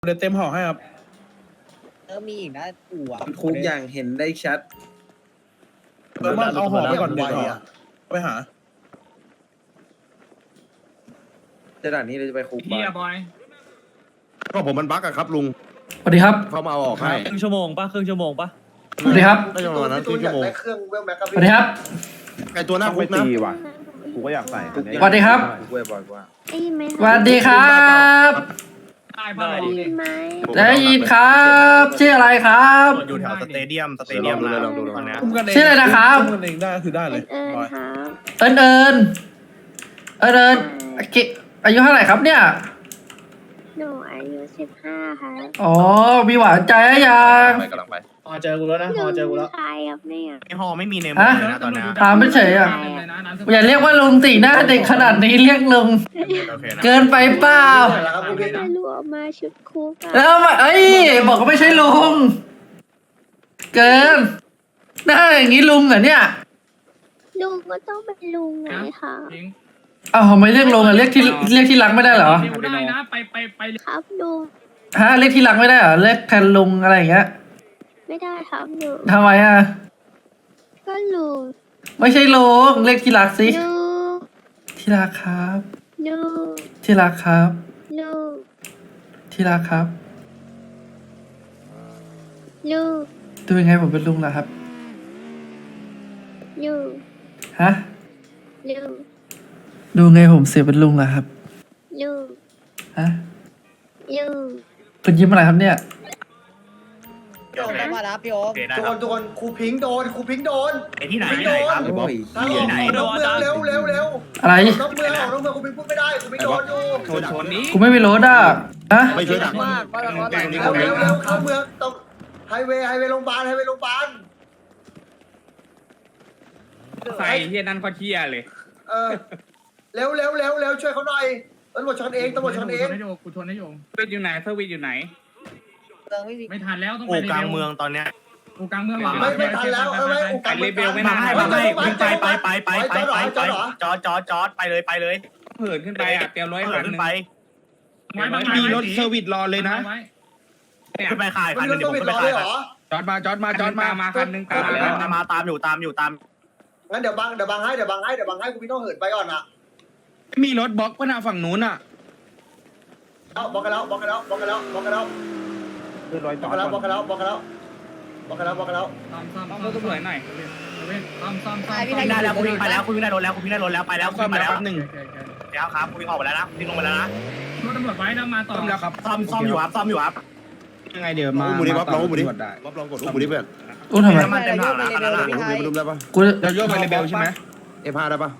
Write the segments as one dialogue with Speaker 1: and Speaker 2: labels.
Speaker 1: เดี๋ยวเต็มห่อให้ครับ
Speaker 2: มีอีกนะกูอ่ะ
Speaker 3: คุกอย่างเห็นได้ชัด
Speaker 1: ว่าเอาห่อไปก่อนเดี๋ยวห่อไปหา
Speaker 3: จะด่านนี้เราจะไปคุก
Speaker 4: เฮียบอย
Speaker 5: ก็ผมมันบั๊กอะครับลุง
Speaker 6: สวัสดีครับ
Speaker 5: เขามาเอาออกให้
Speaker 7: ครึ่งชั่วโมงปะครึ่งชั่วโมงปะ
Speaker 6: สวัสดีครับ
Speaker 5: ได้ประมาณนั้นครึ่งชั่วโมง
Speaker 3: เครื่องเวลแม็กกับ
Speaker 6: สวัสดีครับ
Speaker 5: ไอตัวหน้าคุกนะ
Speaker 8: กูก็อยากใส่
Speaker 6: สวัสดีครับ
Speaker 3: คุกเว้ยบ่อยกว่า
Speaker 9: ได้ยินไหม
Speaker 6: สวัสดีครับ
Speaker 4: ตายบ้า
Speaker 9: ได้ยินไหม
Speaker 6: ได้ยินครับชื่ออะไรครับ
Speaker 7: อยู่แถวสเตเดียม
Speaker 5: ลองดู
Speaker 7: ตอนเนี้ย
Speaker 1: อุ้มกันเอง
Speaker 6: ชื่ออะไรนะครับ
Speaker 1: อุ้มกันเองได้คือได้เลย
Speaker 9: ครับ
Speaker 6: เอิญอายุเท่าไหร่ครับเนี่ย
Speaker 9: หนูอายุ15ค่ะ
Speaker 6: อ๋อมีหวานใจหรือยัง
Speaker 5: ไปกำลังไป
Speaker 2: พอเจอกูแล้วนะพอเจอกูแล้ว
Speaker 9: ใครครับเนี่ย
Speaker 7: ไอฮอไม่มีในมือเลยนะตอนเนี้ย
Speaker 6: ถามไม่เฉยอ่ะอย่าเรียกว่าลุงตีหน้าเด็กขนาดนี้เรียกลุง
Speaker 7: โอเคนะ
Speaker 6: เกินไปเปล่า
Speaker 9: จะรวมมาชุดคุกอะ
Speaker 6: แล้วมาบอกว่าไม่ใช่ลุงเกินหน้าอย่างนี้ลุงเหรอเนี่ย
Speaker 9: ลุงก็ต้องเป็นลุงไงคะ
Speaker 6: อ้าวทำไมเรียกลุงอ่ะเรียกที่รักไม่ได้เหรอ
Speaker 4: เดี๋ยวได้นะไป
Speaker 9: ครับลุง
Speaker 6: ฮะเรียกที่รักไม่ได้เหรอเรียกแทนลุงอะไรอย่างเงี้ย
Speaker 9: ไม่ได้ครับลุง
Speaker 6: ทำไมอ่ะ
Speaker 9: ก็ลุง
Speaker 6: ไม่ใช่ลุงเรียกที่รักสิ
Speaker 9: ลุง
Speaker 6: ที่รักครับ
Speaker 9: ลุง
Speaker 6: ที่รักครับ
Speaker 9: ลุง
Speaker 6: ที่รักครับ
Speaker 9: ลุง
Speaker 6: ดูยังไงผมเป็นลุงล่ะครับ
Speaker 9: ลุง
Speaker 6: ฮะ
Speaker 9: ลุง
Speaker 6: ดูไงผมเสียเป็นลุงล่ะครับ
Speaker 9: ลุง
Speaker 6: ฮะ
Speaker 9: ลุง
Speaker 6: คุณยิ้มอะไรครับเนี่ย
Speaker 2: โดนแล้วมารับพี่โอ๊
Speaker 7: โอ
Speaker 2: ค
Speaker 7: เคได้
Speaker 3: โด
Speaker 7: ครั
Speaker 3: น
Speaker 7: บ
Speaker 3: โดนครูพิงค์โดนครูพิงค์โดน
Speaker 7: ไอที่ไหนที่ไหนครับ
Speaker 3: โอ้ย
Speaker 7: ที่ไหน
Speaker 3: ออกนอกเมืองเร็ว
Speaker 6: อะไร
Speaker 3: นอกเมืองออกนอกเมืองครูพิงค์พูดไม่ได้ครูพิงค์โดนอยู่
Speaker 7: ชนนี้
Speaker 6: กูไม่มีรถอ่ะฮะ
Speaker 5: ไม่ช่วยดัก
Speaker 3: เร็วเข้าเมืองต้องไฮเวย์โรงพยาบาล
Speaker 4: ใส่เฮียนั่นก็เฮียเลย
Speaker 3: เร็วช่วยเขาหน่อยตำรวจชนเองกูชนให้โยง
Speaker 4: เซอร์วิสอยู่ไหนเซอร์วิสอยู่ไหน
Speaker 2: เมืองไม่มี
Speaker 4: ไม่ทันแล้วต้อง
Speaker 7: โอ้
Speaker 4: ไป
Speaker 7: กลางเมืองตอนเนี้ย
Speaker 4: กูกลางเมืองหรอ
Speaker 3: ไม่ทันแล้ว
Speaker 4: ไปเลเบลไม่
Speaker 7: มา
Speaker 4: ทัน
Speaker 7: ให้วิ่งไปจอดไปเลย
Speaker 4: เผินขึ้นไปอ่ะเตรียมร้อย
Speaker 7: เปิดขึ้นไป
Speaker 4: มีรถเซอร์วิสรอเลยนะ
Speaker 7: ขึ้นไปขาย
Speaker 3: มั
Speaker 7: คั
Speaker 3: น
Speaker 7: นนึง
Speaker 3: ต้
Speaker 7: เดี๋
Speaker 3: อย ง
Speaker 7: วผม
Speaker 3: ปิด
Speaker 7: ขึ้น
Speaker 3: ร
Speaker 7: ไป
Speaker 3: อ
Speaker 7: ขา
Speaker 3: เลย ยเหรอ
Speaker 4: จอดมาคันนึงตามแล้ว
Speaker 7: มาตามอยู่
Speaker 3: งั้นเดี๋ยวบังให้กูพี่ต้องเหินไปก่อนนะ
Speaker 4: มีรถบล็อกก็น่าฝั่งนู้นอ่ะ
Speaker 3: บอกกันแล้ว
Speaker 8: คือรอยต่อ
Speaker 4: ซ่อมรถตำรวจหน่อยซ่อม
Speaker 7: คุณได้แล้วคุณวิ่งไปแล้วคุณวิ่งได้รถแล้วคุณวิ่งได้รถแล้วไปแล้วคุณไปแล้วแล้วครับคุณวิ่งออกไปแล้วนะวิ่งลงไปแล้วนะ
Speaker 4: รถตำรวจไว้นะมาต่อ
Speaker 8: แล้วครับ
Speaker 7: ซ่อมอยู่ครับ
Speaker 8: ยังไงเดี๋ยวมา
Speaker 5: อุ้มบุรีบ๊อบลองอุ้มบุรี
Speaker 8: ได้
Speaker 5: บ๊อบลองกดอุ้มบุรีเพื่อน
Speaker 6: อุ้มทำไม
Speaker 7: น้ำมันเต็มถังแล้ว
Speaker 3: พี่ไทย
Speaker 5: อุ้มได้ปะ
Speaker 6: กู
Speaker 8: เราโยกไปเลเบลใช่ไหม
Speaker 5: F5 ได้ปะ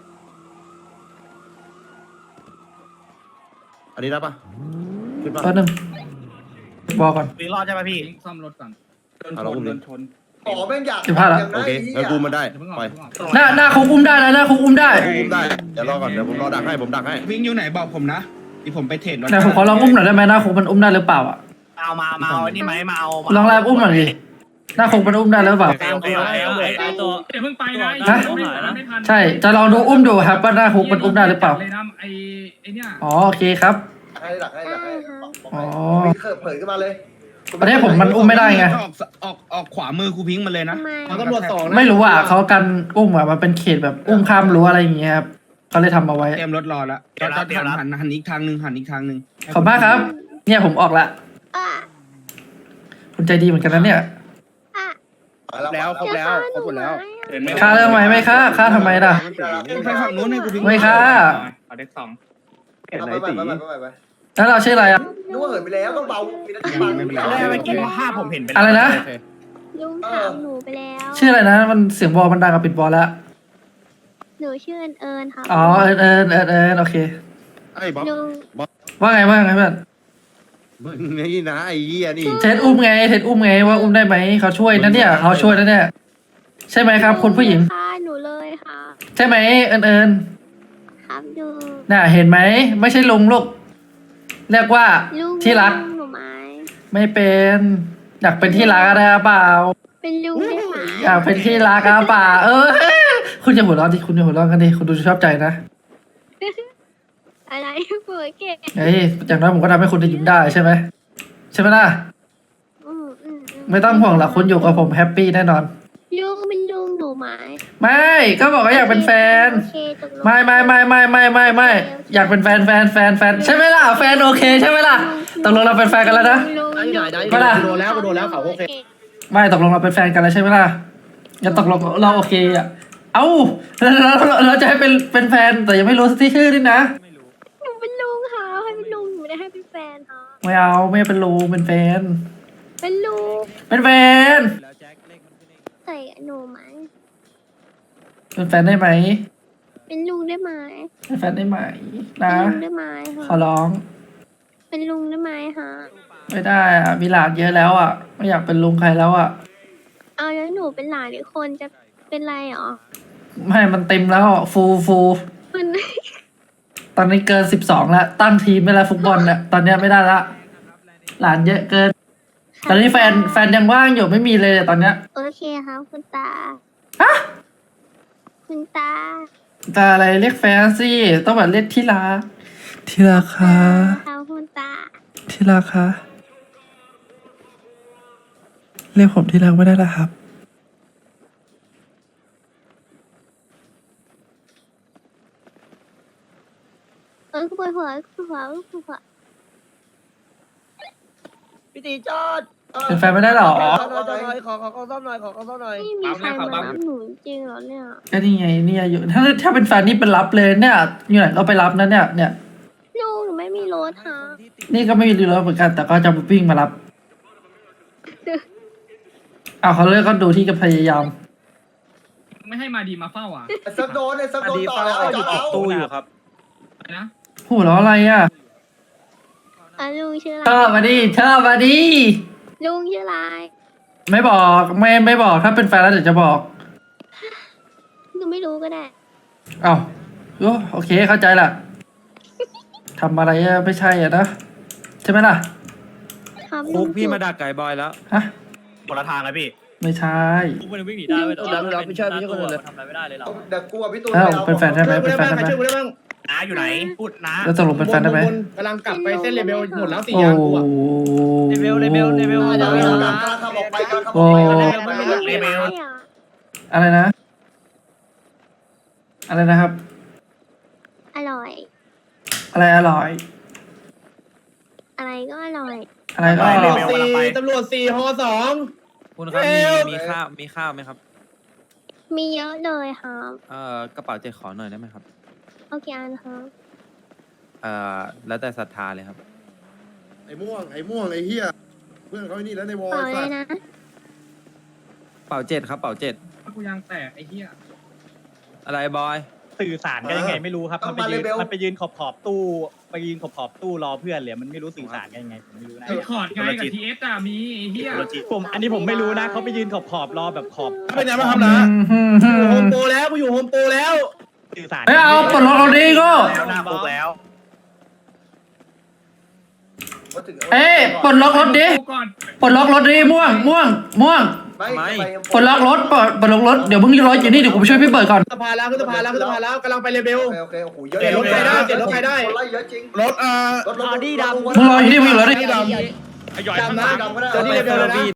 Speaker 5: อันนี้ได้ปะขึ้นปะ
Speaker 6: แป๊บนึงบอกก่อน
Speaker 7: วิ่งรอดใช่ไหมพี่
Speaker 4: ซ่อมรถก่อน
Speaker 8: โดนชน
Speaker 3: อ๋อแม่งอยาก
Speaker 5: โอเคงั้นกูมันได้ไป
Speaker 6: หน้าคุกอุ้มได้นะหน้าคุกอุ้มได้
Speaker 5: กูอุ้มได้เดี๋ยวรอก่อนเดี๋ยวผมรอดักให้ผมดักให้
Speaker 8: วิ่งอยู่ไหนบอกผมนะที่ผมไปเทรดรถ
Speaker 6: แต่ผมขอลองอุ้มหน่อยได้ไหมหน้าคุกมันอุ้มได้หรือเปล่าอ่ะ
Speaker 7: เอาอันนี้ไหมมาเอา
Speaker 6: ลองแรบอุ้มหน่อยดิหน้าคุกมันอุ้มได้หรือเปล่า
Speaker 7: โอเค
Speaker 4: ตัวเดี๋ยวเพิ่งไปนะไม่ทัน
Speaker 6: ใช่จะลองดูอุ้มดูครับว่าหน้าคุกมันอุ้มได้หรือเปล่า
Speaker 4: เลยนะไอ้เนี่ย
Speaker 6: อ๋อโอเคครับ
Speaker 3: ให้ดักให้
Speaker 6: อ๋อ
Speaker 3: เผยขึ้นมาเลย
Speaker 6: ประเทศผมมันอุ้มไม่ได้ไง
Speaker 8: ออกขวามือครูพิงค์มาเลยนะ
Speaker 9: ทำไม
Speaker 2: ตำรวจสองนะ
Speaker 6: ไม่รู้อ่ะเขากันอุ้มอ่ะมันเป็นเขตแบบอุ้มข้ามรั้วอะไรอย่างเงี้ยครับเขาเลยทำเอาไว้
Speaker 8: เตรียมรถรอแล้วจอดหันอีกทางหนึ่ง
Speaker 6: ขอบมากครับ เนี่ยผมออกละ
Speaker 9: อ่ะ
Speaker 6: คุณใจดีเหมือนกันนะเนี่ย
Speaker 9: อ่ะ
Speaker 8: แล้วครบแล้วครบหมดแล้ว
Speaker 6: ค่าเรื่องไหมไม่ค่าค่าทำไมล่ะ
Speaker 8: ไปฝั่งนู้นให้ครูพิงค์
Speaker 6: ไม่ค่า
Speaker 4: เอาเด็กสอง
Speaker 3: ไป
Speaker 6: แล้วเราชื่ออะไรอ่ะ
Speaker 3: นึกว่าเหินไปแล้วต้องเบามีนาทีบัง
Speaker 7: เมื่อกี้ภาพผมเห็นเป็น
Speaker 6: อะไรนะ
Speaker 9: ลุงถามหนูไปแล้ว
Speaker 6: ชื่ออะไรนะมันเสียงบอลมันดังกับปิดบอลแล้ว
Speaker 9: หนูชื่อเอิญค่ะ
Speaker 6: อ๋อเอิญโอเค
Speaker 5: ไอ้บ๊อบ
Speaker 9: ลุง
Speaker 6: ว่าไงเพื่อน
Speaker 5: มึงนี่นะไอ้เหี้ยนี่
Speaker 6: เท็ดอุ้มไงว่าอุ้มได้ไหมเขาช่วยนะเนี่ยเขาช่วยนะเนี่ยใช่ไหมครับคุณผู้หญิง
Speaker 9: ค่ะหนูเลยค่ะ
Speaker 6: ใช่ไหมเอิญ
Speaker 9: ครับลุง
Speaker 6: น่ะเห็นไหมไม่ใช่ลุงลูกเรียกว่า
Speaker 9: ลุง
Speaker 6: ที่รัก
Speaker 9: หนูไหม
Speaker 6: ไม่เป็นอยากเป็นที่รักอะไรเปล่า
Speaker 9: เป็นลุงได้ไหม
Speaker 6: อยากเป็นที่รักเปล่าคุณจะหัวเราะดิคุณจะหัวเราะกันดิคุณดูชอบใจนะ
Speaker 9: อะไรหัวเก่ง
Speaker 6: เฮ้ยอย่างน้อยผมก็ทำให้คุณได้ยิ้มได้ใช่ไหมใช่ไหมล่ะ
Speaker 9: อืม
Speaker 6: ไม่ต้องห่วงหรอกคุณอยู่กับผมแฮปปี้แน่นอน
Speaker 9: ลุงเป็นลุงหนูไหม
Speaker 6: ไม่ก็บอกว่าอยากเป็นแฟน
Speaker 9: โอเคตกลง
Speaker 6: ไม่อยากเป็นแฟนใช่ไหมล่ะแฟนโอเคใช่ไหมล่ะตกลงเราเป็นแฟนกันแล้วนะ
Speaker 9: ลุง
Speaker 2: ได้ไหนได้
Speaker 6: ไม่ล่ะ
Speaker 2: กูโดนแล้วเขาโอเค
Speaker 6: ไม่ตกลงเราเป็นแฟนกันแล้วใช่ไหมล่ะอย่าตกลงเราโอเคอ่ะเอ้าเราจะให้เป็นแฟนแต่ยังไม่รู้ที่ชื่อด้วยนะ
Speaker 9: หนูเป็นลุงค่ะให้เป็นลุงหนูไม่ได้ให้เป็นแฟนค่ะ
Speaker 6: ไม่เอาไม่เป็นลูกเป็นแฟน
Speaker 9: เป็นลุง
Speaker 6: เป็นแฟน
Speaker 9: ใส่หนูไหม
Speaker 6: เป็นแฟนได้ไหม
Speaker 9: เป็นลุงได้ไหม
Speaker 6: เป็นแฟนได้ไหม
Speaker 9: เป็
Speaker 6: นะ
Speaker 9: นลุงได้ไหม
Speaker 6: ขอ
Speaker 9: ค่ะ
Speaker 6: ร้อง
Speaker 9: เป็นลุงได้ไหมคะ
Speaker 6: ไม่ได้อ่ะมีหลานเยอะแล้วอ่ะไม่อยากเป็นลุงใครแล้วอ่ะ
Speaker 9: เอาแล้วหนูเป็นหลานอีกคนจะเป็นไรหรอ
Speaker 6: ไม่มันเต็มแล้วอ่ะฟู
Speaker 9: มัน
Speaker 6: ตอนนี้เกิน12แล้วตั้งทีมไม่แล้วฟุตบอลเนี่ยตอนเนี้ยไม่ได้ละหลานเยอะเกิน ตอนนี้แฟนยังว่างอยู่ไม่มีเลยตอนเนี้ย
Speaker 9: โอเคครับคุณตา
Speaker 6: ฮะ
Speaker 9: คุณตา
Speaker 6: แต่อะไรเรียกแฟนสิต้องแบบเรียกที่รักที่รักค่ะ
Speaker 9: ครับคุณตา
Speaker 6: ที่รักค่ะเรียกผมที่รักไม่ได้ละครับ
Speaker 9: ปวดหัวปวดหัว
Speaker 2: พี่ตีจอด
Speaker 6: เป็นแฟนไม่ได้หรอ
Speaker 2: ขอซ่อมหน่อย
Speaker 9: ไม่มีใครมารับหนูจริงเหรอเนี่ย
Speaker 6: ก็นี่ไงเนี่ยอยู่ถ้าเป็นแฟนนี่เป็นรับเลยเนี่ยอยู่ไหนก็ไปรับนะเนี่ย
Speaker 9: ลุงหนูไม่มีรถค่ะ
Speaker 6: นี่ก็ไม่มีรถเหมือนกัน แต่ก็จะวิ่งมารับเอาเขาเลิกก็ดูที่ก็พยายาม
Speaker 4: ไม่ให้มาดีมาเฝ้าอ่ะ
Speaker 3: ไอ้ซักโดนต่อแล้วเอา
Speaker 8: ตู้อยู่ครับ
Speaker 4: อะไรนะ
Speaker 6: หูล้ออะไรอ่ะ
Speaker 9: ลุงชื่ออะไร
Speaker 6: ชอบมาดิชอบมาดิ
Speaker 9: ลุงชื่ออะไร
Speaker 6: ไม่บอกไม่บอกถ้าเป็นแฟนแล้วเดี๋ยวจะบอก
Speaker 9: หนูไม่รู้ก็ได้
Speaker 6: เอ้าโอเคเข้าใจละทำอะไรอะไม่ใช่อ่ะนะใช่ไหมล่ะ
Speaker 9: ครับ
Speaker 8: คุกพี่มาดักไก่บอยแล้ว
Speaker 6: ฮะ
Speaker 7: คนละทางเลยพี่
Speaker 6: ไม่ใช่
Speaker 2: มันวิ่งหนีได้เว้ยเราไม่ช่วยคนอื่นเลยทำอะไรไม่ได้เลยเรา
Speaker 3: เดี๋ยวกูกับพี่ตูน
Speaker 6: แล้วเป็นแฟนได้ไหมเป็นแฟนได้ไหม
Speaker 2: ช่วยกูได้บ้าง
Speaker 7: น้าอยู่ไหน พูดน้า
Speaker 6: แล้วตกลงเป็นแฟนได้ไหม
Speaker 2: กำลังกลับไปเส้นเลเบลหมดแล้วสี่
Speaker 6: โอ้
Speaker 2: ยางกูอะ
Speaker 6: เลเวล
Speaker 2: เลเบล
Speaker 3: กำลังขับออกไป
Speaker 7: เลเวล
Speaker 6: อะไรนะ อะไรนะครับ
Speaker 9: อร่อย
Speaker 6: อะไรอร่อย
Speaker 9: อะไรก็อร่อย
Speaker 6: อะไรก็อร่อย
Speaker 2: ตำรวจสี่ฮอ2
Speaker 8: คุณครับมีข้าวไหมครับ
Speaker 9: มีเยอะเลยครับ
Speaker 8: กระเป๋าเจ็ดขอหน่อยได้ไหมครับ
Speaker 9: โอเคอันครับ
Speaker 8: แล้วแต่ศรัทธาเลยครับ
Speaker 5: ไอ้ม่วงไอ้เหี้ยเพื่อนเขาไอ้นี่แล้วในวอล
Speaker 9: ต่อเลยนะ
Speaker 8: เป๋าเจ็ดครับเป๋าเจ็ด
Speaker 4: กูยางแตกไอ้เหี้ย
Speaker 8: อะไรบอย
Speaker 1: สื่อสารกันยังไงไม่รู้ครับมันไปยืนขอบตู้ไปยืนขอบตู้รอเพื่อนเลยมันไม่รู้สื่อสารกันยังไงผมไม่รู้นะ
Speaker 4: ไอ้คอร์ดไงกับทีเอสอะมีไอ้เหี้ย
Speaker 1: อันนี้ผมไม่รู้นะเขาไปยืนขอบรอแบบขอบ
Speaker 2: เป็นไงบ้างครับนะโฮมโปรแล้วกูอยู่โฮมโปรแล้ว
Speaker 1: สื่อสาร
Speaker 6: ไม่เอาปลดล็อกเราดีก็
Speaker 7: แล้วหน้าคุกแล้ว
Speaker 6: ปลดล็อกรถดิ
Speaker 4: กูก่อน
Speaker 6: ปลดล็อกรถดิม่วงปลดล็อกรถปลดล็อกรถเดี๋ยวมึงรออยู่นี่เดี๋ยวกูไปช่วยพี่เปิดก่อน
Speaker 2: สภาแล้วกำลังไปเลเบล
Speaker 3: โอเคโอ้โหเยอะคนไล่เยอะจริง
Speaker 5: รถ
Speaker 3: รถดีดำ
Speaker 6: มึงรออยู่นี่มึงอยู่รถดิ
Speaker 2: ดำนะเจอที่เลเบลแล้วนะ